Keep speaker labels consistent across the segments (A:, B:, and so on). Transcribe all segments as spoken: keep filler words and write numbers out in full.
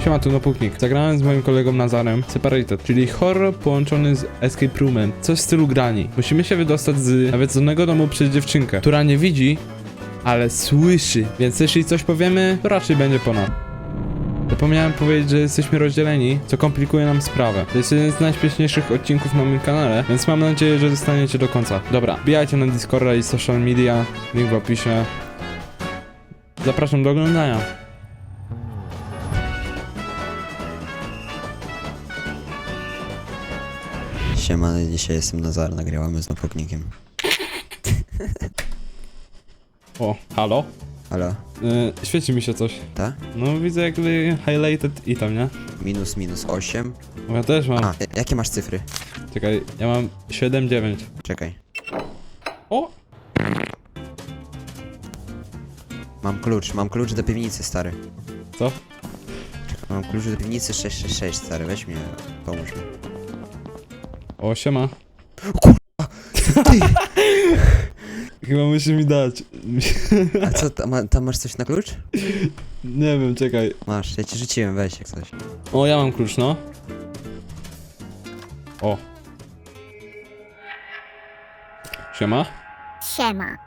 A: Siema, tu Nopuknik. Zagrałem z moim kolegą Nazarem Separated, czyli horror połączony z escape roomem. Coś w stylu grani. Musimy się wydostać z nawiedzonego domu przez dziewczynkę, która nie widzi, ale słyszy. Więc jeśli coś powiemy, to raczej będzie po nas. Zapomniałem powiedzieć, że jesteśmy rozdzieleni, co komplikuje nam sprawę. To jest jeden z najśmieszniejszych odcinków na moim kanale, więc mam nadzieję, że zostaniecie do końca. Dobra, wbijajcie na Discorda i social media, link w opisie. Zapraszam do oglądania.
B: Siema, dzisiaj jestem Nazar, nagrywamy z Nopuknikiem.
A: O, halo?
B: Halo?
A: Yy, świeci mi się coś.
B: Ta?
A: No widzę jakby highlighted i tam, nie?
B: Minus, minus osiem.
A: Bo ja też mam.
B: A, jakie masz cyfry?
A: Czekaj, ja mam siedem dziewięć.
B: Czekaj.
A: O!
B: Mam klucz, mam klucz do piwnicy, stary.
A: Co?
B: Mam klucz do piwnicy sześć sześć sześć, stary, weź mnie, pomóż mi.
A: O, siema.
B: Ty!
A: Chyba musi mi dać.
B: A co, tam, tam masz coś na klucz?
A: Nie wiem, czekaj.
B: Masz, ja ci rzuciłem, weź jak coś.
A: O, ja mam klucz, no. O. Siema.
C: Siema.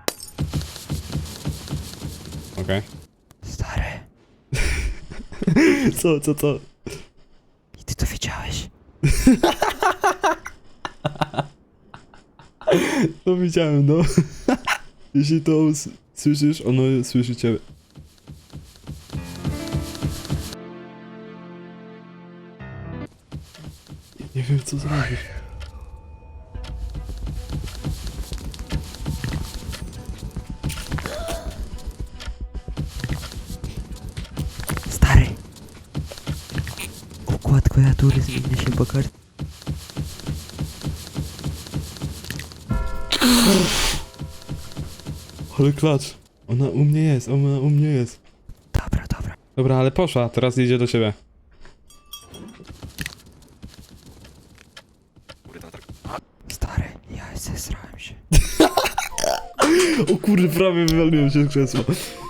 A: Okej.
B: Stary,
A: Co, co, co?
B: i ty to wiedziałeś?
A: No widziałem, no. Jeśli to s- słyszysz, ono słyszy ciebie. Nie wiem, co zrobić.
B: Stary! Układ klawiatury zmienia się po karcie.
A: Ale klacz. Ona u mnie jest, ona u mnie jest.
B: Dobra, dobra.
A: Dobra, ale poszła, teraz idzie do ciebie.
B: Stary, ja zesrałem się.
A: O kurde, prawie wywaliłem się z krzesła.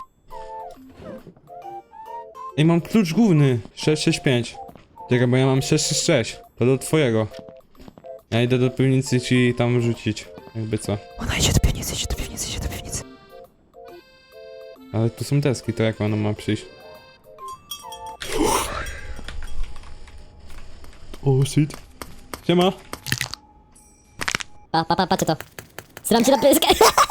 A: Ej, mam klucz główny. sześć sześć pięć. Czekaj, bo ja mam sześć sześć sześć. To do twojego. Ja idę do piwnicy ci tam rzucić. Jakby co.
B: Ona idzie do piwnicy, idzie do piwnicy, idzie do piwnicy.
A: Ale tu są deski, to jak ona ma przyjść? O shit. Siema.
C: Pa, pa, pa, patrzcie to. Sram cię na pyskę.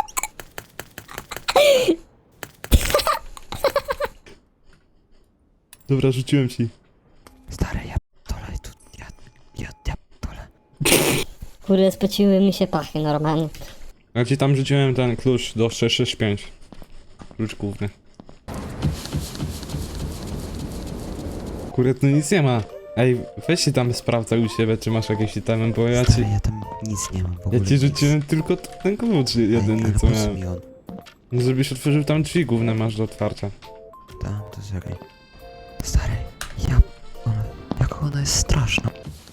A: Dobra, rzuciłem ci.
B: Stary, ja dole tu, ja, ja, ja dole.
C: Kurde, spociły mi się pachy normalnie.
A: Ja ci tam rzuciłem ten klucz do sześć sześć pięć. Klucz główny. Kurde, tu nic nie ma. Ej, weź się tam sprawdzaj u siebie, czy masz jakieś itemy, bo ja ci...
B: Stary, ja tam nic nie mam w ogóle.
A: Ja ci
B: nic.
A: rzuciłem tylko ten klucz
B: Ej,
A: jedyny,
B: ale
A: co
B: po co
A: miałem.
B: mi on?
A: No, żebyś otworzył tam drzwi główne masz do otwarcia.
B: Tam, to czekaj. Stary, ja... Ona, jaka ona jest straszna.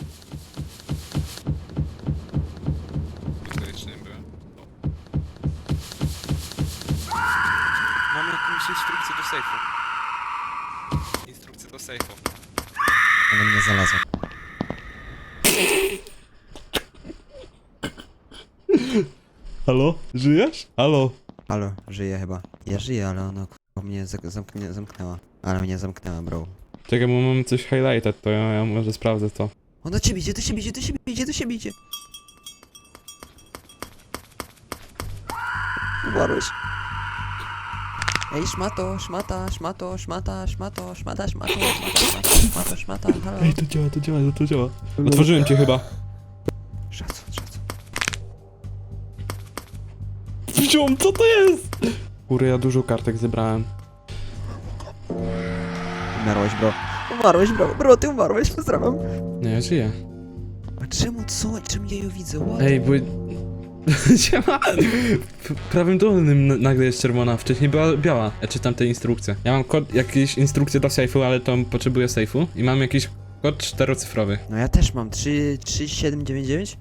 D: Mam jakąś instrukcję do sejfu. Instrukcję do sejfu.
B: Ona mnie znalazła.
A: Halo? Żyjesz? Halo?
B: Halo, żyje chyba. Ja żyję, ale ona k***a mnie zak- zamknie, zamknęła. Ale mnie zamknęła, bro.
A: Czekaj, bo mam coś highlighted, to ja, ja może sprawdzę to.
B: On do ciebie idzie, do siebie idzie, do siebie idzie, do siebie idzie. Umarłeś. Ej, szmato, szmata, szmato, szmata, szmato, szmata, szmato, szmata, szmato, szmato, szmata, halo.
A: Ej, to działa, to działa, to działa. Otworzyłem cię chyba.
B: Szacun, szacun.
A: Wziąłem, co to jest? Kurde, ja dużo kartek zebrałem.
B: Umarłeś, bro. Umarłeś, bro. Bro, ty umarłeś, pozdrawiam.
A: Nie, ja żyję.
B: A czemu, co? Czemu ja ją widzę? What?
A: Ej, bo... Siema! W prawym dolnym n- nagle jest czerwona, wcześniej była biała. Ja czytam te instrukcje. Ja mam kod, jakieś instrukcje do sejfu, ale to potrzebuję sejfu. I mam jakiś kod czterocyfrowy.
B: No ja też mam. trzy, trzy, siedem, dziewięć, dziewięć?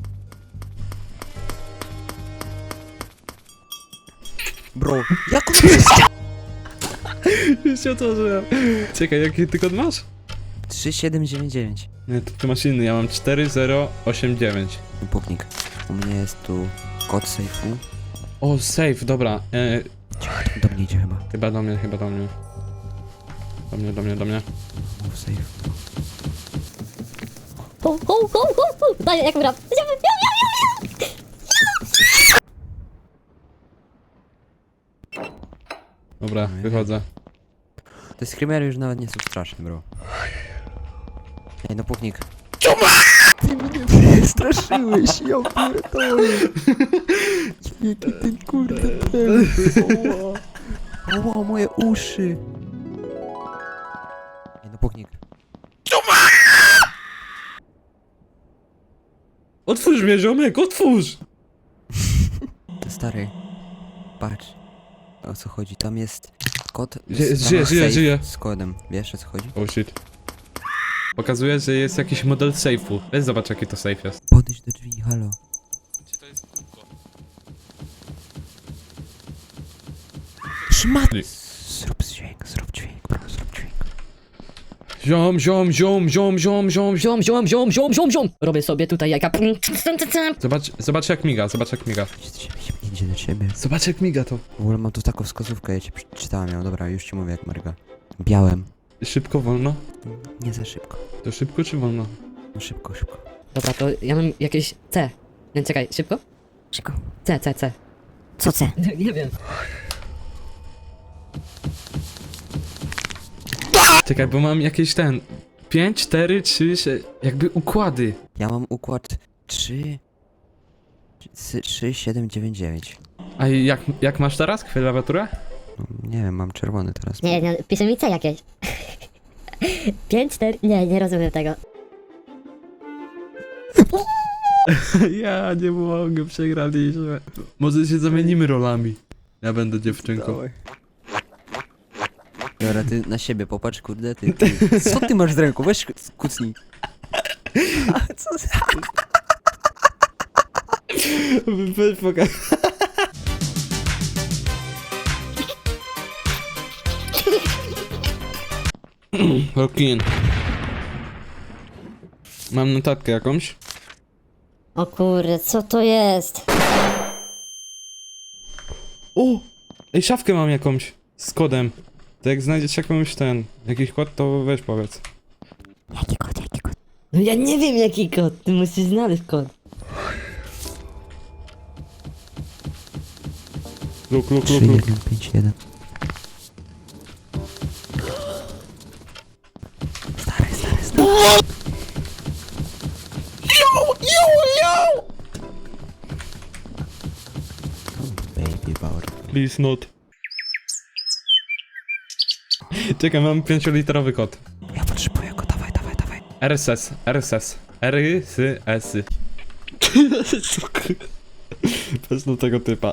B: Bro, jak on to jest?
A: Już się otworzyłem. Czekaj, jaki ty kod masz?
B: trzy siedem dziewięć dziewięć.
A: Nie, to ty masz inny, ja mam cztery zero osiem dziewięć.
B: Puknik. U mnie jest tu kod sejfu.
A: O, safe, dobra. E,
B: Do mnie idzie chyba.
A: chyba do mnie, chyba do mnie. Do mnie, do mnie, do mnie.
B: Mów safe.
C: Ho, ho, ho, ho, ho. Daj, jak gram.
A: Dobra, wychodzę.
B: Te screamery już nawet nie są straszne, bro. Ej, no puknik. Ty mnie straszyłeś, ja pierdolę. Jaki ty kurde tępy. Oła, oła, moje uszy. Ej, no puknik.
A: Otwórz mnie, ziomek, otwórz!
B: To stary. Patrz. O co chodzi? Tam jest kod.
A: Żyje,
B: tam
A: żyje,
B: masz
A: żyje,
B: safe
A: żyje.
B: Z kodem. Wiesz o co chodzi?
A: Oh shit. Pokazuje, że jest jakiś model safe'u. Weź zobacz, jaki to safe jest.
B: Podejdź do drzwi, halo.
D: Gdzie to jest kółko?
B: Szmat! Zrób dźwięk, zrób dźwięk, bro, zrób dźwięk.
A: Ziom, ziom, ziom, ziom, ziom, ziom, ziom.
C: Ziom, ziom, ziom, ziom, ziom, ziom. Robię sobie tutaj jaka...
A: Zobacz, zobacz jak miga, zobacz jak miga.
B: Idzie do ciebie, idzie do ciebie.
A: Zobacz jak miga to.
B: W ogóle mam tu taką wskazówkę, ja ci przeczytałem ją. Dobra, już ci mówię jak Marga. Białem.
A: Szybko, wolno?
B: Nie za szybko.
A: To szybko czy wolno?
B: No szybko, szybko.
E: Dobra, to ja mam jakieś C. Nie, czekaj, szybko?
C: Szybko.
E: C, C, C.
C: Co C?
E: Nie wiem.
A: Czekaj, bo mam jakieś ten... pięć, cztery, trzy, sześć... Jakby układy.
B: Ja mam układ trzy... trzy, siedem, dziewięć, dziewięć.
A: A jak, jak masz teraz klawiaturę?
B: No, nie wiem, mam czerwony teraz.
C: Nie, nie, pisze mi C jakieś. Pięć, cztery... Nie, nie rozumiem tego.
A: Ja nie mogę, przegraliśmy. Może się zamienimy rolami. Ja będę dziewczynką.
B: Dobra, ty na siebie popatrz, kurde, ty, ty. Co ty masz z ręką? Weź kucnij. A co za...
A: Weź pokaż. Rokin. Mam notatkę jakąś.
C: O kurde, co to jest?
A: O! Ej, szafkę mam jakąś. Z kodem. To jak znajdziesz jakąś ten... jakiś kod, to weź powiedz.
C: Jaki kod, jaki kod?
E: No ja nie wiem jaki kod, ty musisz znaleźć kod.
A: Luk, luk,
B: trzy,
A: luk, luk.
B: jeden, pięć, jeden. Stary, stary, stary. Baby power.
A: Please not. Czekaj, mam pięcioliterowy kod.
B: Ja potrzebuję go, dawaj, dawaj, dawaj.
A: R S S, R S S. R S S. Bez do tego typa.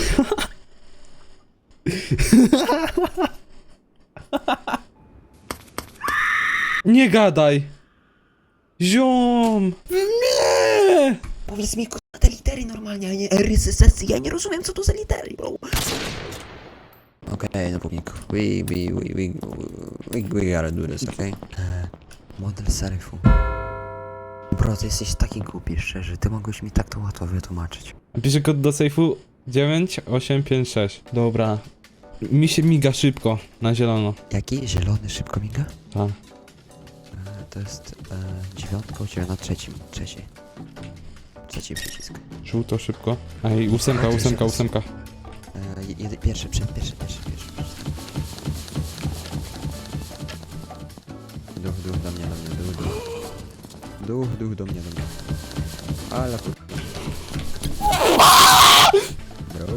A: Nie gadaj! Ziom! Nie!
B: Powiedz mi, k***a, te litery normalnie, a nie R S S. Ja nie rozumiem, co to za litery, bro. Okej, no pupnik. We, we, we, we, we, we gotta do this, okej? Okay? Model seryfu. Bro, ty jesteś taki głupi, szczerze. Ty mogłeś mi tak to łatwo wytłumaczyć.
A: Piszę kod do sejfu dziewięć osiem pięć sześć. Dobra. Mi się miga szybko, na zielono.
B: Jaki? Zielony szybko miga?
A: Tak.
B: E, to jest e, dziewiątka u ciebie na trzecim. Trzeciej. Trzeci przycisk.
A: Żółto szybko. Ej, ósemka, ósemka, ósemka.
B: E, jedy, pierwszy, przed, pierwszy, pierwszy, pierwszy. Duch, duch do mnie, do mnie, duch, duch. Duch, duch do mnie, do mnie. Ale chuj. Bro.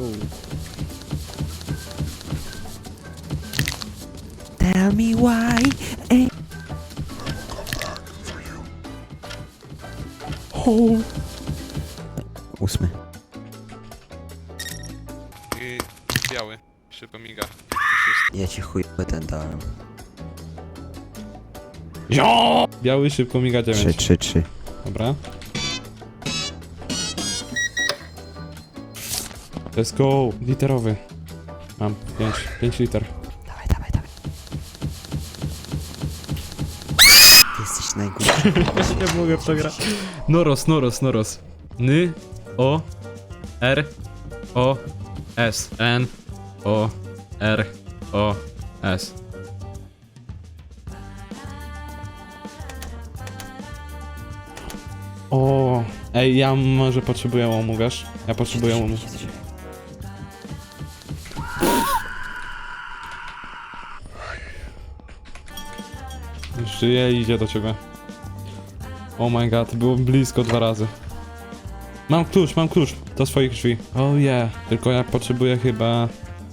B: Tell me why. Ej.
A: Oh.
B: Ósmy.
D: I biały. Szybko miga.
B: Ja ci chuj ten dałem.
A: Jo! Biały szybko miga
B: Trzy,
A: dziewięć.
B: trzy, trzy.
A: Dobra. Let's go. Literowy. Mam pięć, pięć liter.
B: Dawaj, dawaj, dawaj. Ty
A: Nie mogę w to grać. Noros, Noros, Noros. Ny, O, R, O, S. N, O, R, O, S. O, ej, ja może potrzebuję łomu, wiesz? Ja potrzebuję łomu. Żyje i idzie do ciebie. Oh my god, było blisko dwa razy. Mam klucz, mam klucz do swoich drzwi. Oh yeah, tylko ja potrzebuję chyba...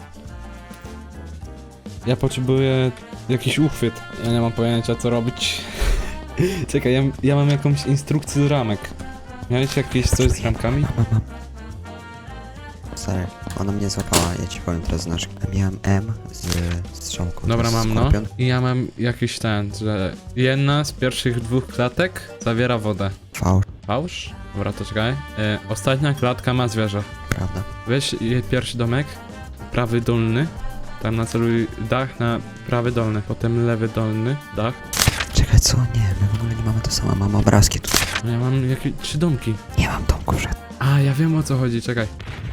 A: Ja potrzebuję jakiś uchwyt. Ja nie mam pojęcia co robić. Czekaj, ja, ja mam jakąś instrukcję z ramek. Miałeś jakieś coś z ramkami?
B: Mam, mam. Stary, ona mnie złapała, ja ci powiem teraz znaczy. Miałem M z strzałką.
A: Dobra,
B: to jest
A: mam no.
B: skorpion.
A: I ja mam jakiś ten, że jedna z pierwszych dwóch klatek zawiera wodę.
B: Fałsz,
A: Fałsz? Dobra, to czekaj. E, ostatnia klatka ma zwierzę.
B: prawda?
A: Weź je pierwszy domek, prawy dolny. Tam naceluj dach na prawy dolny, potem lewy dolny dach.
B: Czekaj, co? Nie, my w ogóle nie mamy to samo, mamy obrazki tu.
A: No ja mam jakieś trzy domki.
B: Nie mam domku żadnych.
A: A, ja wiem o co chodzi, czekaj.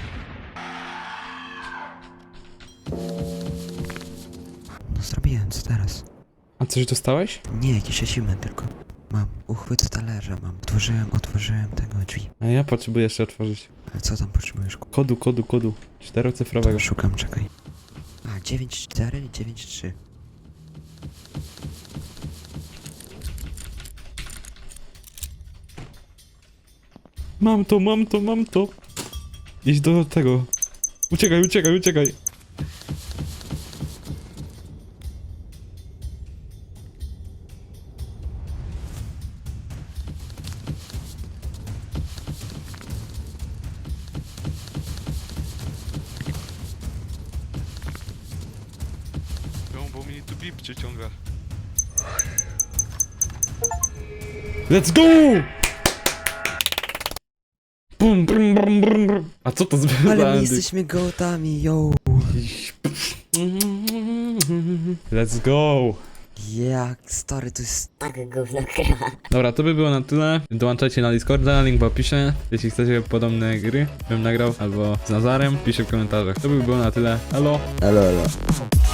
B: No zrobiłem, co teraz?
A: A coś dostałeś?
B: Nie, jakiś achievement tylko. Mam uchwyt z talerza, mam. Otworzyłem, otworzyłem tego drzwi.
A: A ja potrzebuję jeszcze otworzyć.
B: Ale co tam potrzebujesz? ku-
A: Kodu, kodu, kodu. Czterocyfrowego.
B: Szukam, czekaj. A, dziewięć cztery, dziewięć trzy.
A: Mam to, mam to, mam to. Idź do tego. Uciekaj, uciekaj, uciekaj.
D: Bo, bo mi tu bip przyciąga.
A: Let's go! Bum, brum, brum, brum, brum. A co to za
B: Ale my
A: bandy?
B: jesteśmy gołtami, yo!
A: Let's go!
B: Jak stary, to jest...
C: Tak gówno gra.
A: Dobra, to by było na tyle. Dołączajcie na Discorda, link w opisie. Jeśli chcecie podobne gry, bym nagrał albo z Nazarem, piszcie w komentarzach. To by było na tyle. Elo!
B: Elo, elo.